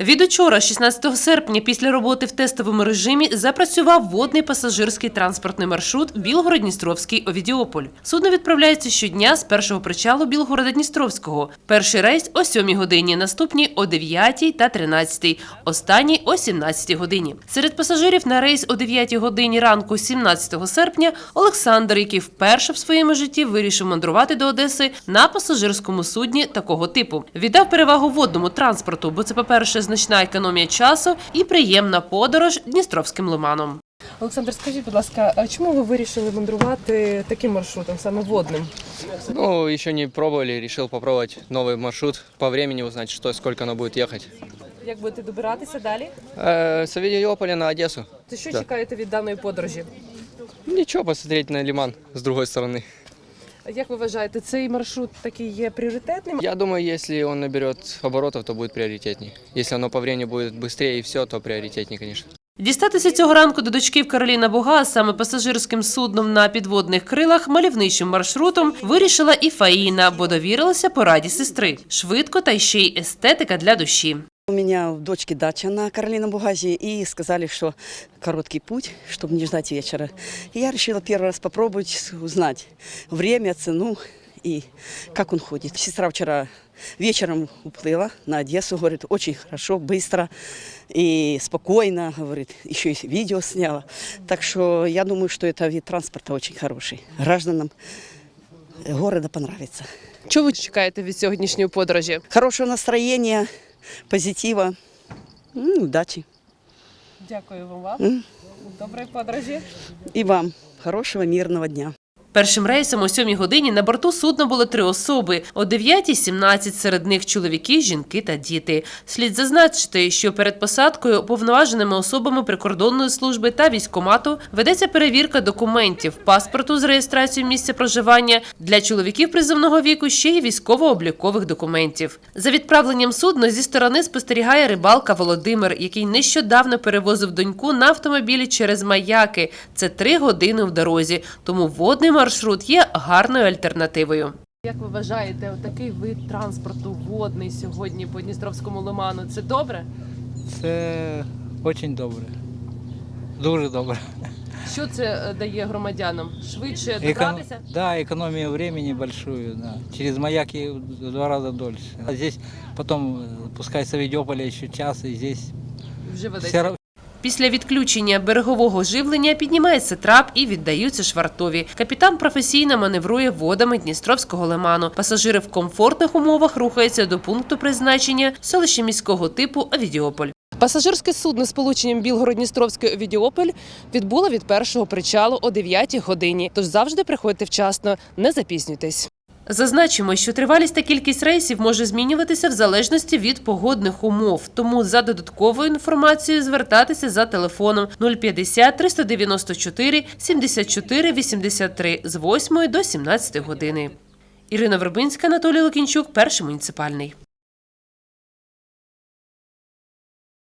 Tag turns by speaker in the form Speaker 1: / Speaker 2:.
Speaker 1: Від учора, 16 серпня, після роботи в тестовому режимі, запрацював водний пасажирський транспортний маршрут Білгород-Дністровський-Овідіополь. Судно відправляється щодня з першого причалу Білгорода-Дністровського. Перший рейс о 7 годині, наступні о 9 та 13, останній о 17 годині. Серед пасажирів на рейс о 9 годині ранку 17 серпня Олександр, який вперше в своєму житті вирішив мандрувати до Одеси на пасажирському судні такого типу. Віддав перевагу водному транспорту, бо це, по-перше, значна економія часу і приємна подорож Дністровським лиманом.
Speaker 2: Олександр, скажіть, будь ласка, а чому ви вирішили мандрувати таким маршрутом, саме водним?
Speaker 3: Ну, еще не пробовали, решил попробовать новый маршрут, по времени узнать, что и сколько оно будет ехать.
Speaker 2: Як будете добиратися далі?
Speaker 3: С Авидиополя на Одессу.
Speaker 2: То що чекаєте від даної подорожі?
Speaker 3: Ничего, посмотреть на лиман с другой стороны.
Speaker 2: Як ви вважаєте, цей маршрут такий є пріоритетним?
Speaker 3: Я думаю, если он наберет оборотов, то будет приоритетней. Если оно по времени будет быстрее и все, то приоритетней, конечно.
Speaker 1: Дістатися цього ранку до дочків Кароліна Буга саме пасажирським судном на підводних крилах мальовничим маршрутом вирішила і Фаїна, бо довірилася пораді сестри. Швидко та ще й естетика для душі.
Speaker 4: У меня у дочки дача на Каролином Бугазе, и сказали, что короткий путь, чтобы не ждать вечера. И я решила первый раз попробовать узнать время, цену и как он ходит. Сестра вчера вечером уплыла на Одессу, говорит, очень хорошо, быстро и спокойно, говорит, еще и видео сняла. Так что я думаю, что это вид транспорта очень хороший. Гражданам города понравится.
Speaker 2: Чого ви чекаєте від сьогоднішньої подорожі?
Speaker 4: Хорошего настроения, позитива, удачи.
Speaker 2: Дякую вам. Доброї подорожі.
Speaker 4: И вам хорошего мирного дня.
Speaker 1: Першим рейсом о 7 годині на борту судна було 3 особи. О 9 – 17, серед них чоловіки, жінки та діти. Слід зазначити, що перед посадкою уповноваженими особами прикордонної служби та військкомату ведеться перевірка документів, паспорту з реєстрацією місця проживання, для чоловіків призовного віку ще й військово-облікових документів. За відправленням судна зі сторони спостерігає рибалка Володимир, який нещодавно перевозив доньку на автомобілі через Маяки. Це 3 години в дорозі, тому водний маршрут є гарною альтернативою.
Speaker 2: Як ви вважаєте, такий вид транспорту водний сьогодні по Дністровському лиману – це добре?
Speaker 5: Це дуже добре. Дуже добре.
Speaker 2: Що це дає громадянам? Швидше добратися?
Speaker 5: Да, экономия времени большую. Да. Через Маяки в 2 раза дольше. А здесь потом, пускай с Авидиополя еще час, и здесь
Speaker 2: Вже ведеться.
Speaker 1: Після відключення берегового живлення піднімається трап і віддаються швартові. Капітан професійно маневрує водами Дністровського лиману. Пасажири в комфортних умовах рухаються до пункту призначення селища міського типу Авідіополь.
Speaker 2: Пасажирське судно з полученням Білгород-Дністровський Овідіополь відбуло від першого причалу о 9 годині. Тож завжди приходьте вчасно, не запізнюйтесь.
Speaker 1: Зазначимо, що тривалість та кількість рейсів може змінюватися в залежності від погодних умов. Тому за додатковою інформацією звертатися за телефоном 050 394 74 83 з 8 до 17 години. Ірина Вербинська, Анатолій Лукінчук, Перший муніципальний.